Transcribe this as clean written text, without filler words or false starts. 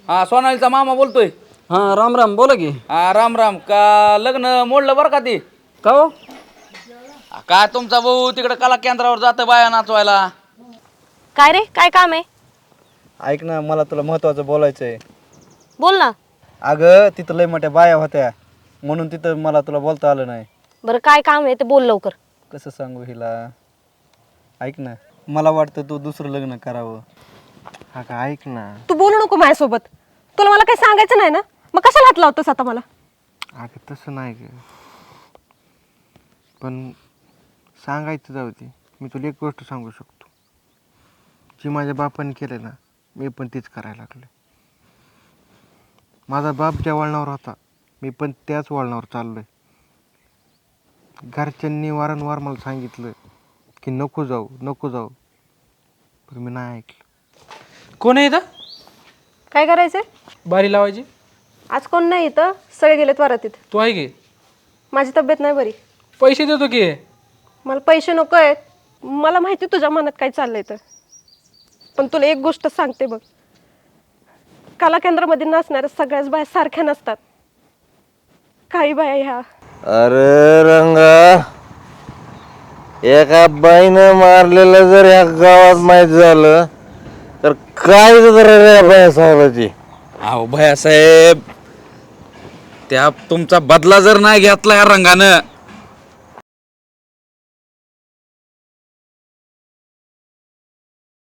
हा सोनालीचा मामा बोलतोय. हां राम राम बोला की. हा राम राम. का लग्न मोडलं बरं का ती? का हो? काय तुमचा भाऊ तिकडे कला केंद्रावर जातं बाया नाचवायला. काय रे, काय काम आहे? ऐक ना, मला तुला महत्वाचं बोलायचं आहे. बोल ना. अगं तिथं लय मोठ्या बाया होत्या म्हणून तिथं मला तुला बोलता आलं नाही. बरं काय काम आहे ते बोल लवकर. कसं सांगू हिला? ऐक ना, मला वाटतं तू दुसरं लग्न करावं. हा का ऐक ना. तू बोलू नको माझ्यासोबत. तुला मला काही सांगायचं नाही ना, मग कशाला हात लावतोस आता मला? अगं तसं नाही ग, पण सांगायचं जाऊ दे. मी तुला एक गोष्ट सांगू शकतो, जी माझ्या बापाने केलं ना मी पण तीच करायला लागलो. माझा बाप ज्या वळणावर होता मी पण त्याच वळणावर चाललो आहे. घरच्यांनी वारंवार मला सांगितलं की नको जाऊ नको जाऊ, पण मी नाही ऐकलं. कोण आहे इथं? काय करायचंय? बारी लावायची. आज कोण नाही इथं, सगळे गेलेत वरातीत. तू आहे की? माझी तब्येत नाही बरी. पैसे देतो की. मला पैसे नको आहेत. मला माहिती तुझ्या मनात काय चाललंय तर, पण तुला एक गोष्ट सांगते बघ, कला केंद्रामध्ये नाचणाऱ्या सगळ्याच बाया सारख्या नसतात. काही बाया ह्या अरे रंगा, एका बाईनं मारलेलं जर या गावात माहीत झालं तर काय रे बाया साहेबाची. अहो भैया साहेब, त्या तुमचा बदला जर नाही घेतला या रंगानं